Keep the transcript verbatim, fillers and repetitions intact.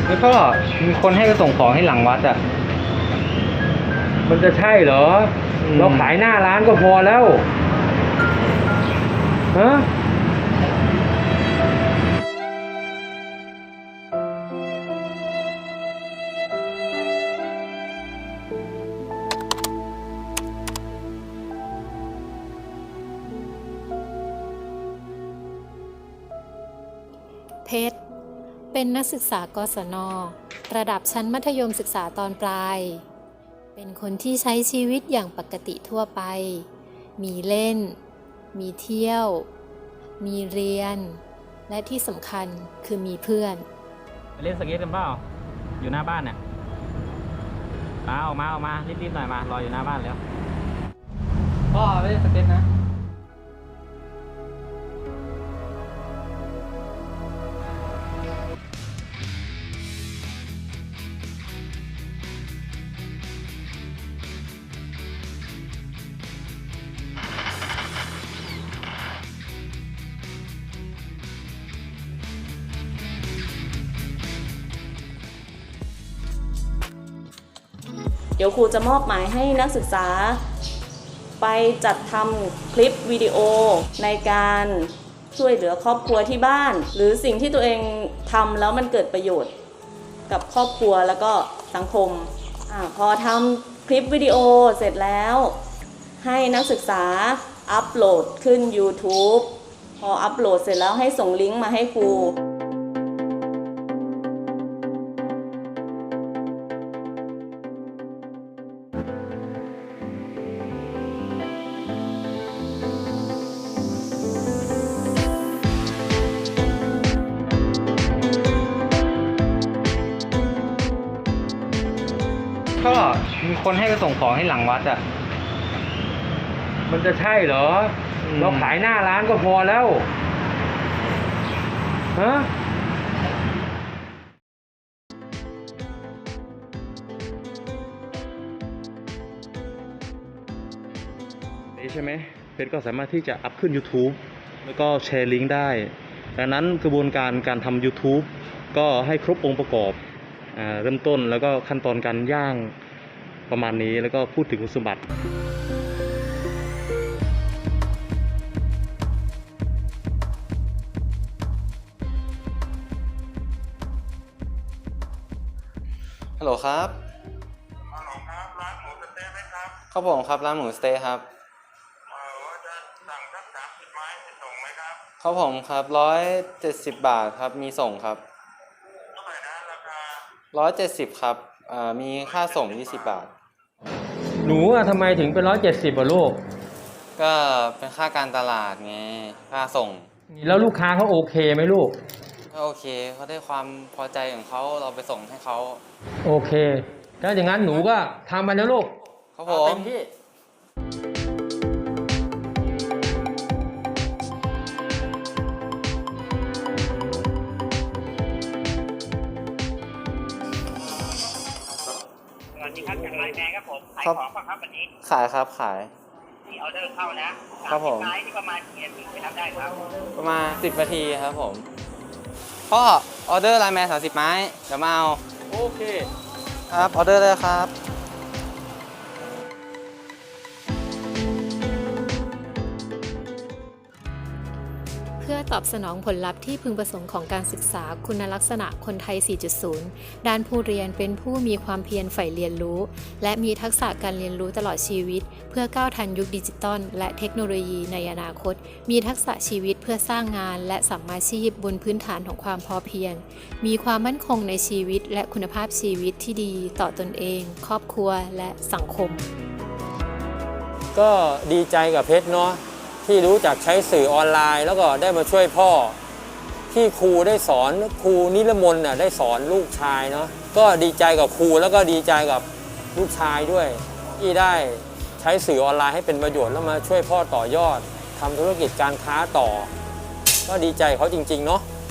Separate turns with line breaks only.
แล้วก็มีคนให้ไปส่งของให้หลังวัดอ่ะมันจะใช่เหรอเราขายหน้าร้านก็พอแล้วฮะ
เพชรเป็นนักศึกษากศน.ระดับชั้นมัธยมศึกษาตอนปลายเป็นคนที่ใช้ชีวิตอย่างปกติทั่วไปมีเล่นมีเที่ยวมีเรียนและที่สำคัญคือมีเพื่อน
ไปเล่นสเก็ตกันเปล่าอยู่หน้าบ้านเนี่ยมาออกมาออกมารีบๆหน่อยมารออยู่หน้าบ้านแล้วพ่อไปเล่นสเก็ตนะ
เดี๋ยวครูจะมอบหมายให้นักศึกษาไปจัดทำคลิปวิดีโอในการช่วยเหลือครอบครัวที่บ้านหรือสิ่งที่ตัวเองทำแล้วมันเกิดประโยชน์กับครอบครัวแล้วก็สังคมอ่าพอทำคลิปวิดีโอเสร็จแล้วให้นักศึกษาอัปโหลดขึ้น ยูทูบ พออัปโหลดเสร็จแล้วให้ส่งลิงก์มาให้ครู
ก็มีคนให้ไปส่งของให้หลังวัดอ่ะมันจะใช่เหรอเราขายหน้าร้านก็พอแล้วฮะนี่ใช่ไหมเพชรก็สามารถที่จะอัพขึ้น ยูทูบ แล้วก็แชร์ลิงก์ได้ดังนั้นกระบวนการการทำ ยูทูบ ก็ให้ครบองค์ประกอบอ่าเริ่มต้นแล้วก็ขั้นตอนการย่างประมาณนี้แล้วก็พูดถึงคุณสมบัติ
ฮัลโหลครับ
ฮัลโหลครับร้านหมูสะเต๊ะไหมครับ
ครับผมครับร้านหมูสเต๊ะครับ
เออว่าจะสั่งสักสามสิบไม้จะส่งไหมครับ
ครับผมครับร้อยเจ็ดสิบบาทครับมีส่งครับ
เท่าไหร่นะราคา
ร้อยเจ็ดสิบครับอ่ามีค่าส่งยี่สิบบาท
หนูอะทำไมถึงเป็นร้อยเจ็ดสิบอ่ะลูก
ก็เป็นค่าการตลาดไงค่าส่ง
แล้วลูกค้าเขาโอเคไหมลูก
ก็โอเคเขาได้ความพอใจของเขาเราไปส่งให้เขา
โอเคถ้าอย่างนั้นหนูก็ทำไปแล้วลูก
ครับผม
เต็มที่
สวัสดีครับจากไลน์แมนครับผมขายของป่ะครับวันนี้
ขายครับขาย
มีออเดอร์เข้าแล้ว
ครับผม
ไลน์ที่ประมาณกี่นาทีไปรับได้ครับ
ประมาณสิบนาทีครับผมพ่อออเดอร์ไลน์แมนสามสิบไม้เดี๋ยวมาเอา
โอเค
ครับออเดอร์เลยครับ
เพื่อตอบสนองผลลัพธ์ที่พึงประสงค์ของการศึกษาคุณลักษณะคนไทย สี่จุดศูนย์ ด้านผู้เรียนเป็นผู้มีความเพียรใฝ่เรียนรู้และมีทักษะการเรียนรู้ตลอดชีวิตเพื่อก้าวทันยุคดิจิตอลและเทคโนโลยีในอนาคตมีทักษะชีวิตเพื่อสร้างงานและสัมมาชีพบนพื้นฐานของความพอเพียงมีความมั่นคงในชีวิตและคุณภาพชีวิตที่ดีต่อตนเองครอบครัวและสังคม
ก็ดีใจกับเพชรเนาะที่รู้จักใช้สื่อออนไลน์แล้วก็ได้มาช่วยพ่อที่ครูได้สอนครูนิรมนต์น่ะได้สอนลูกชายเนาะก็ดีใจกับครูแล้วก็ดีใจกับลูกชายด้วยที่ได้ใช้สื่อออนไลน์ให้เป็นประโยชน์แล้วมาช่วยพ่อต่อยอดทำธุรกิจการค้าต่อก็ดีใจเขาจริงๆเนาะ